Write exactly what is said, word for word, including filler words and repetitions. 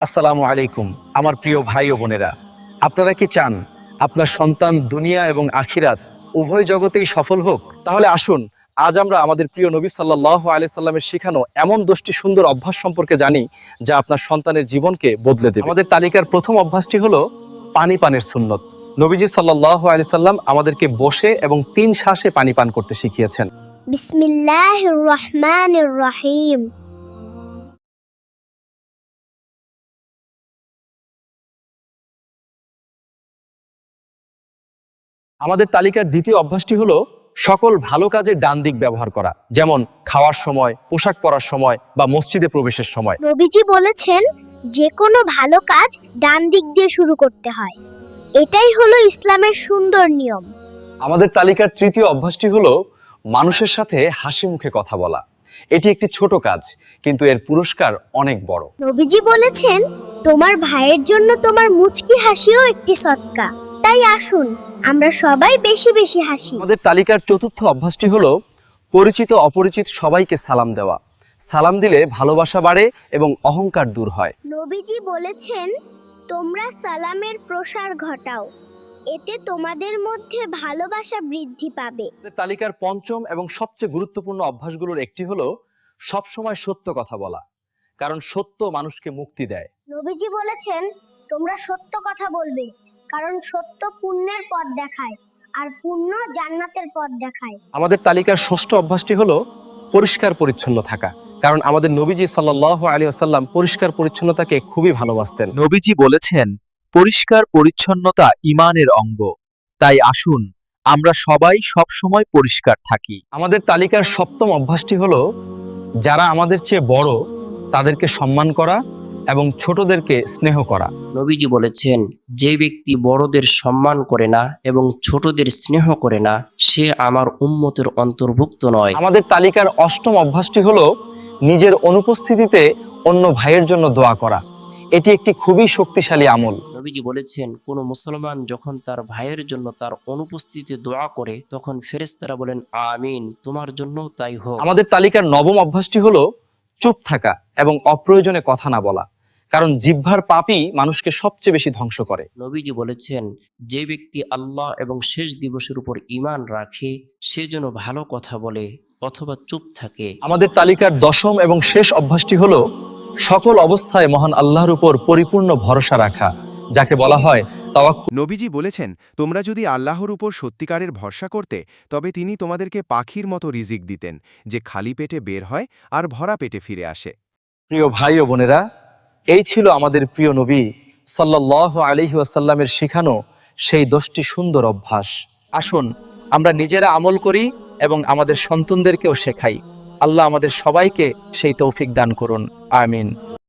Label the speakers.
Speaker 1: আসসালামু আলাইকুম আমার প্রিয় ভাই ও বোনেরা, আপনারা কি চান আপনার সন্তান দুনিয়া এবং আখিরাত উভয় জগতেই সফল হোক? তাহলে আসুন আজ আমরা আমাদের প্রিয় নবী সাল্লাল্লাহু আলাইহি সাল্লামের শেখানো এমন দশটি সুন্দর অভ্যাস সম্পর্কে জানি যা আপনার সন্তানের জীবনকে বদলে দেবে। আমাদের তালিকার প্রথম অভ্যাসটি হলো পানি পানের সুন্নত। নবীজি সাল্লাল্লাহু আলাইহি সাল্লাম আমাদেরকে বসে এবং তিন শ্বাসে পানি পান করতে শিখিয়েছেন।
Speaker 2: বিসমিল্লাহির রহমানির রহিম।
Speaker 1: আমাদের তালিকার দ্বিতীয় অভ্যাসটি হলো সকল ভালো কাজে ডান দিক ব্যবহার করা, যেমন খাওয়ার সময়, পোশাক পরার সময় বা মসজিদে প্রবেশের সময়।
Speaker 2: নবীজি বলেছেন যে কোনো ভালো কাজ ডান দিক দিয়ে শুরু করতে হয়। এটাই হলো ইসলামের সুন্দর নিয়ম।
Speaker 1: আমাদের তালিকার তৃতীয় অভ্যাসটি হলো মানুষের সাথে হাসি মুখে কথা বলা। এটি একটি ছোট কাজ, কিন্তু এর পুরস্কার অনেক বড়।
Speaker 2: নবীজি বলেছেন তোমার ভাইয়ের জন্য তোমার মুচকি হাসিও একটি সদকা। তাই আসুন আমরা সবাই বেশি বেশি হাসি।
Speaker 1: আমাদের তালিকার চতুর্থ অভ্যাসটি হলো পরিচিত অপরিচিত সবাইকে সালাম দেওয়া। সালাম দিলে ভালোবাসা বাড়ে এবং অহংকার দূর হয়।
Speaker 2: নবীজি বলেছেন তোমরা সালামের প্রসার ঘটাও, এতে তোমাদের মধ্যে ভালোবাসা বৃদ্ধি পাবে।
Speaker 1: আমাদের তালিকার পঞ্চম এবং সবচেয়ে গুরুত্বপূর্ণ অভ্যাসগুলোর একটি হলো সবসময় সত্য কথা বলা, কারণ সত্য মানুষকে মুক্তি দেয়।
Speaker 2: নবীজি বলেছেন তোমরা সত্য কথা বলবে, কারণ সত্য পুণ্যের পথ দেখায় আর পুণ্য জান্নাতের পথ দেখায়।
Speaker 1: আমাদের তালিকার ষষ্ঠ অভ্যাসটি হলো পরিষ্কার পরিচ্ছন্ন থাকা, কারণ আমাদের নবীজি সাল্লাল্লাহু আলাইহি ওয়াসাল্লাম পরিষ্কার পরিচ্ছন্নতাকে খুবই ভালোবাসতেন।
Speaker 3: নবীজি বলেছেন পরিষ্কার পরিচ্ছন্নতা ঈমানের অঙ্গ। তাই আসুন আমরা সবাই সব সময় পরিষ্কার থাকি।
Speaker 1: আমাদের তালিকার সপ্তম অভ্যাসটি হলো যারা আমাদের চেয়ে বড় তাদেরকে সম্মান করা এবং ছোটদেরকে স্নেহ করা।
Speaker 4: নবীজি বলেছেন যে ব্যক্তি বড়দের সম্মান করে না এবং ছোটদের স্নেহ করে না সে আমার উম্মতের অন্তর্ভুক্ত নয়।
Speaker 1: আমাদের তালিকার অষ্টম অভ্যাসটি হলো নিজের অনুপস্থিতিতে অন্য ভাইয়ের জন্য দোয়া করা। এটি একটি খুবই শক্তিশালী আমল।
Speaker 4: নবীজি বলেছেন কোন মুসলমান যখন তার ভাইয়ের জন্য তার অনুপস্থিতিতে দোয়া করে তখন ফেরেশতারা বলেন আমিন, তোমার জন্য তাই হোক।
Speaker 1: আমাদের তালিকার নবম অভ্যাসটি হলো চুপ থাকা এবং অপ্রয়োজনে কথা না বলা, কারণ জিহ্বার পাপই মানুষকে সবচেয়ে বেশি ধ্বংস করে।
Speaker 4: নবীজি বলেছেন যে ব্যক্তি আল্লাহ এবং শেষ দিবসের উপর ঈমান রাখে সে যেন ভালো কথা বলে অথবা চুপ থাকে।
Speaker 1: আমাদের তালিকার দশম এবং শেষ অভ্যাসটি হলো সকল অবস্থায় মহান আল্লাহর উপর পরিপূর্ণ ভরসা রাখা, যাকে বলা হয় তাওয়াক্কুল।
Speaker 5: নবীজি বলেছেন তোমরা যদি আল্লাহর উপর সত্যিকারের ভরসা করতে তবে তিনি তোমাদেরকে পাখির মতো রিজিক দিতেন, যে খালি পেটে বের হয় আর ভরা পেটে ফিরে আসে।
Speaker 1: প্রিয় ভাই ও বোনেরা, এই ছিল আমাদের প্রিয় নবী সাল্লাল্লাহু আলাইহি ওয়াসাল্লামের শেখানো সেই দশটি সুন্দর অভ্যাস। আসুন আমরা নিজেরা আমল করি এবং আমাদের সন্তানদেরকেও শেখাই। আল্লাহ আমাদের সবাইকে সেই তৌফিক দান করুন, আমিন।